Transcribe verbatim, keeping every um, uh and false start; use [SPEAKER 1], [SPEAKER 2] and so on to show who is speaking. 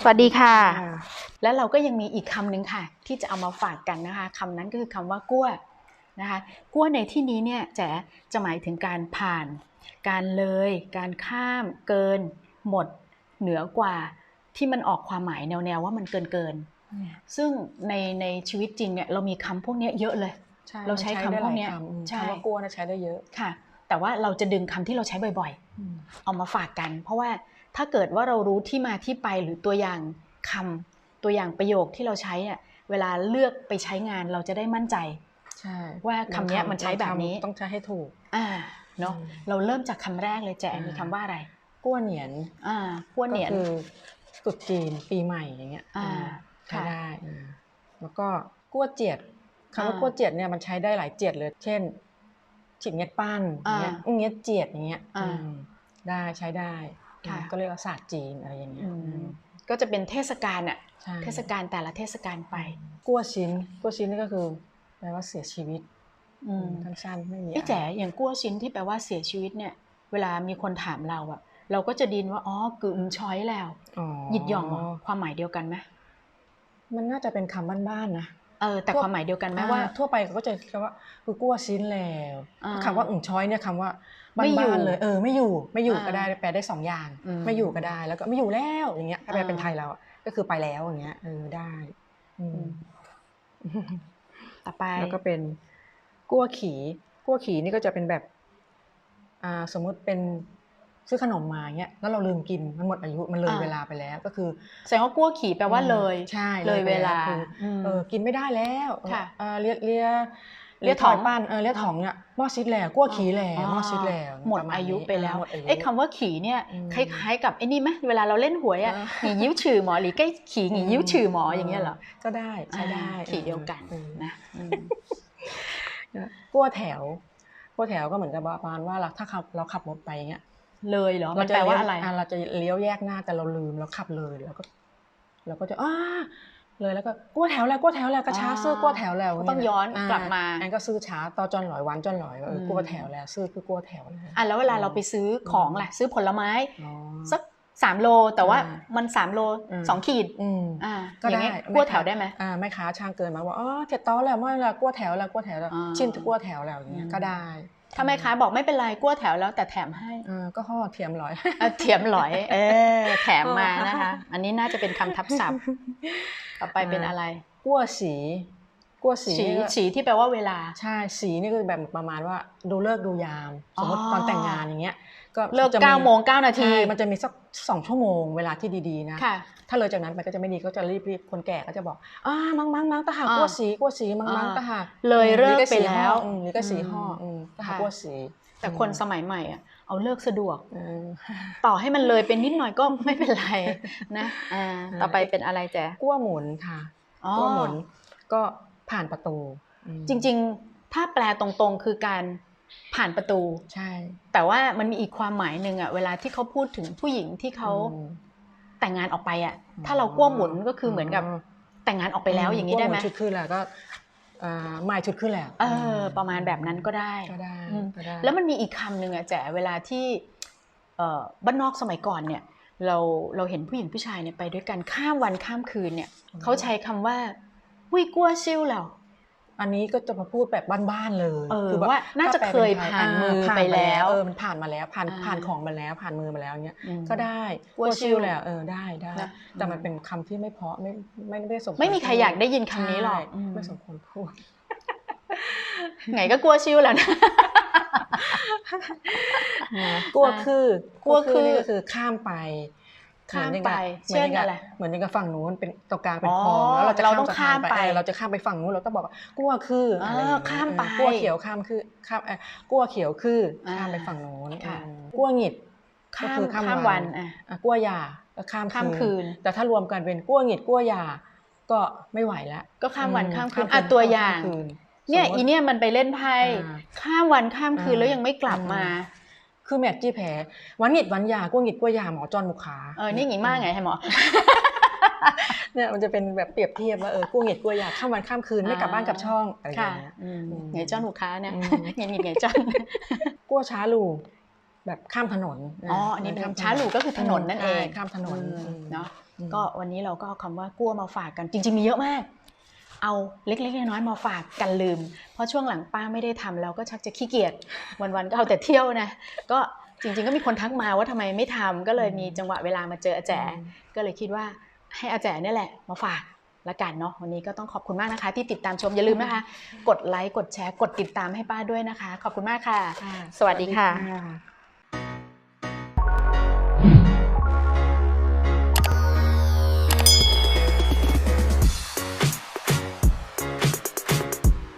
[SPEAKER 1] วัสดีค่ะและเราก็ยังมีอีกคำหนึ่งค่ะที่จะเอามาฝากกันนะคะคำนั้นก็คือคำว่ากั้วนะคะกั้วในที่นี้เนี่ยแจ๋จะหมายถึงการผ่านการเลยการข้ามเกินหมดเหนือกว่าที่มันออกความหมายแนวๆว่ามันเกินเกินซึ่งในในชีวิตจริงเนี่ยเรามีคำพวกนี้เยอะเลยเราใช้คำพวกนี้
[SPEAKER 2] ใช่คำว่ากั้วนะใช้ได้เยอะ
[SPEAKER 1] ค่ะแต่ว่าเราจะดึงคำที่เราใช้บ่อยๆเอามาฝากกันเพราะว่าถ้าเกิดว่าเรารู้ที่มาที่ไปหรือตัวอย่างคำตัวอย่างประโยคที่เราใช้เนี่ยเวลาเลือกไปใช้งานเราจะได้มั่นใจ
[SPEAKER 2] ใช่
[SPEAKER 1] ว่าคำนี้มันใช้แบบนี้
[SPEAKER 2] ต้องใช้ให้ถูก
[SPEAKER 1] อ่าเนาะเราเริ่มจากคำแรกเลยแจมีคำว่าอะไร
[SPEAKER 2] กั้วเหนียน
[SPEAKER 1] อ่ากั้วเหนียน
[SPEAKER 2] ก็คือตรุษจีนปีใหม่อย่างเงี้ย
[SPEAKER 1] อ่า
[SPEAKER 2] ใช้ได้แล้วก็กั้วเจียดคำว่ากั้วเจียดเนี่ยมันใช้ได้หลายเจียดเลยเช่นฉิบเงียดปั้นอย่างเงี้ยเงียดเจียดอย่างเงี้ยได้ใช้ได้ก็เรียกว่าศาสตร์จีนอะไรอย่างเงี้ย
[SPEAKER 1] ก็จะเป็นเทศกาลอ่ะเทศกาลแต่ละเทศกาลไป
[SPEAKER 2] กั้วชิ้นกั้วชิ้นนี่ก็คือแปลว่าเสียชีวิตสั้นๆไม่มี
[SPEAKER 1] ไอ้แจ๋อย่างกั้วชิ้นที่แปลว่าเสียชีวิตเนี่ยเวลามีคนถามเราอะเราก็จะดินว่าอ๋อกึ่มช้อยแล้วหยิดหย่องความหมายเดียวกันไหม
[SPEAKER 2] มันน่าจะเป็นคำบ้านๆนะ
[SPEAKER 1] เออแต่ความหมายเดียวกันไหมว่า
[SPEAKER 2] ทั่วไปเขาก็จะคำว่าคือกั้วชิ้นแล้วคำว่าอึ่งช้อยเนี่ยคำว่าบ้านๆเลยเออไม่อยู่ไม่อยู่ก็ได้แปลได้สองอย่างไม่อยู่ก็ได้แล้วก็ไม่อยู่แล้วอย่างเงี้ยถ้าแปลเป็นไทยเราก็คือไปแล้วอย่างเงี้ยเออได้
[SPEAKER 1] ต่อไป
[SPEAKER 2] แล้วก็เป็นกั้วขี่กั้วขี่นี่ก็จะเป็นแบบอ่าสมมุติเป็นซื้อขนมมาเงี้ยแล้วเราลืมกินมันหมดอายุมันเลยเวลาไปแล้วก็คือ
[SPEAKER 1] แสดงว่ากั้วขี่แปลว่าเลย
[SPEAKER 2] ใช่
[SPEAKER 1] เลยเวลา
[SPEAKER 2] เออกินไม่ได้แล้ว
[SPEAKER 1] ค่ะ
[SPEAKER 2] เลียเลียเลียถองปั้นเออเลียถองเนี่ยหม้อซิดแล้วกั้วขี่แล้วหม้อซิดแล้ว
[SPEAKER 1] หมดอายุไปแล้วไอ้คำว่าขี่เนี่ยคล้ายๆกับไอ้นี่ไหมเวลาเราเล่นหวยอ่ะหงียิ้วฉื่อหมอหรือใกล้ขี่หงียิ้วฉื่อหมออย่างเงี้ยเหรอ
[SPEAKER 2] ก็ได้ใช้ได้
[SPEAKER 1] ขี่เดียวกันนะ
[SPEAKER 2] กั้วแถวกั้วแถวก็เหมือนกับประมาณว่าถ้าขับเราขับรถไปเงี้ย
[SPEAKER 1] เลยเหรอมันแปลว่าอะไร
[SPEAKER 2] เราจะเลี้ยวแยกหน้าแต่เราลืมแล้วขับเลยแล้วก็เราก็จะอ้าเลยแล้วก็กั้วแถวแล้วกั้วแถวแล้วก็ช้าซื้อกั้วแถวแล้ว
[SPEAKER 1] ต้องย้อนกลับมา
[SPEAKER 2] อันก็ซื้อช้าต่อจอนหลอยวันจอนหลอยเออกั้วแถวแล้วซื้อคือกั้วแถวแล้ว
[SPEAKER 1] อ่ะแล้วเวลาเราไปซื้อของล่ะซื้อผลไม้สักสามโลแต่ว่ามันสามโลสองขีดอ่าก็ได้กั้วแถวได้ไหม
[SPEAKER 2] อ่าแม่ค้าช่างเกินมาว่าอ๋อเจ็ดต้อแล้วไม่ละกั้วแถวแล้วกั้วแถวแล้วชิ้นกั้วแถวแล้วอย่างเงี้ยก็ได้
[SPEAKER 1] ถ้าแม่ค้าบอกไม่เป็นไรกั้วแถวแล้วแต่แถมให้
[SPEAKER 2] ก็ห่อเทียมหลอย
[SPEAKER 1] เทียมหลอยเออแถมมานะคะอันนี้น่าจะเป็นคำทับศัพท์ต่อไปเป็นอะไร
[SPEAKER 2] กั้วสีกั้วสี
[SPEAKER 1] สีที่แปลว่าเวลา
[SPEAKER 2] ใช่สีนี่คือแบบประมาณว่าดูเลิกดูยามสมมติตอนแต่งงานอย่างเงี้ย
[SPEAKER 1] ก็เลิกเก้าโมงเก้านาที
[SPEAKER 2] มันจะมีสักสองชั่วโมงเวลาที่ดีๆนะถ้าเลยจากนั้นไปก็จะไม่ดีก็จะรีบๆคนแก่ก็จะบอกอ่ามังมังมังตาหากั้วสีกั้วสีมังมังตาหา
[SPEAKER 1] เลยเลิกไปแล้ว
[SPEAKER 2] หรือก็สีห่อตาหากั้วสี
[SPEAKER 1] แต่คนสมัยใหม่อ่ะเอาเลิกสะดวกต่อให้มันเลยเป็นนิดหน่อยก็ไม่เป็นไรนะต่อไปเป็นอะไรแจ๊
[SPEAKER 2] กั้วหมุนค่ะกั้วหมุนก็ผ่านประตู
[SPEAKER 1] จริงๆถ้าแปลตรงๆคือการผ่านประตู
[SPEAKER 2] ใช่
[SPEAKER 1] แต่ว่ามันมีอีกความหมายหนึ่งอ่ะเวลาที่เขาพูดถึงผู้หญิงที่เขาแต่งงานออกไปอ่ะถ้าเรากั้วหมุนก็คือเหมือนกับแต่งงานออกไปแล้วอย่างนี้ได้ไหม
[SPEAKER 2] ชุดขึ้นแล้วก็หมายชุดขึ้นแล้ว
[SPEAKER 1] เออประมาณแบบนั้นก็ได้
[SPEAKER 2] ก็ได้
[SPEAKER 1] แล้วมันมีอีกคำหนึ่งอ่ะแจ๋เวลาที่บ้านนอกสมัยก่อนเนี่ยเราเราเห็นผู้หญิงผู้ชายเนี่ยไปด้วยกันข้ามวันข้ามคืนเนี่ยเขาใช้คำว่าวิกัวซิ่วแล้ว
[SPEAKER 2] อันนี้ก็จะมาพูดแบบบ้านๆเลย
[SPEAKER 1] คือว่าน่าจะเคยผ่านมือไปแล้ว
[SPEAKER 2] เออมันผ่านมาแล้วผ่านผ่านของมาแล้วผ่านมือมาแล้วเนี้ยก็ได้กัวซิ่วแล้วเออได้ได้แต่มันเป็นคำที่ไม่เพราะไม่ไม่ได้สม
[SPEAKER 1] ไม่มีใครอยากได้ยินคำนี้หรอก
[SPEAKER 2] ไม่สมควรพูด
[SPEAKER 1] ไงก็กัวซิ่วแล้วนะ
[SPEAKER 2] กัวคือกัวคือนี่ก็คือข้ามไป
[SPEAKER 1] ข้ามไปเช่นอะไร
[SPEAKER 2] เหมือนกับฝั่งนู้นเป็นตรงกลางเป็นคลองแล้วเราจะเราต้องข้ามไปเราจะข้ามไปฝั่งนู้นเราต้องบอกว่ากั้วคืออะไร
[SPEAKER 1] ข้ามไป
[SPEAKER 2] กั้วเขียวข้ามคือข้ามกั้วเขียวคือข้ามไปฝั่งนู้นกั้วหงิด
[SPEAKER 1] ก็คือข้ามวัน
[SPEAKER 2] กั้วยาก็ข้ามคืนแต่ถ้ารวมกันเป็นกั้วหงิดกั้วยาก็ไม่ไหวแล้ว
[SPEAKER 1] ก็ข้ามวันข้ามคืนอ่ะตัวอย่างเนี่ยอีเนี่ยมันไปเล่นไพ่ข้ามวันข้ามคืนแล้วยังไม่กลับมา
[SPEAKER 2] คือแมทจี้แผลวันหงิดวันยากั้วหงิดกั้วยาหมอจอนมุขา
[SPEAKER 1] เออนี่หงิดมากไงให้หมอ
[SPEAKER 2] เนี่ยมันจะเป็นแบบเปรียบเทียบว่าเออกั้วหงิดกั้วยาข้ามวันข้ามคืนไม่กลับบ้านกลับช่องอะไรอย่างเงี้ย
[SPEAKER 1] ไงจอนมุขาเนี่ยหงิดหงิดไงจอน
[SPEAKER 2] กั้วช้าลูแบบข้ามถนน
[SPEAKER 1] อ๋ออันนี้เป็นช้าลูก็คือถนนนั่นเอง
[SPEAKER 2] ข้ามถนน
[SPEAKER 1] เนาะก็วันนี้เราก็เอาคำว่ากั้วมาฝากกันจริงๆมีเยอะมากเอาเล็กๆน้อยๆมาฝากกันลืมเพราะช่วงหลังป้าไม่ได้ทำแล้วก็ชักจะขี้เกียจวันๆก็เอาแต่เที่ยวนะก็จริงๆก็มีคนทักมาว่าทำไมไม่ทำก็เลยมีจังหวะเวลามาเจออาแจก็เลยคิดว่าให้อาแจเนี่ยแหละมาฝากละกันเนาะวันนี้ก็ต้องขอบคุณมากนะคะที่ติดตามชมอย่าลืมนะคะกดไลค์กดแชร์กดติดตามให้ป้าด้วยนะคะขอบคุณมากค่ะสวัสดีค่ะ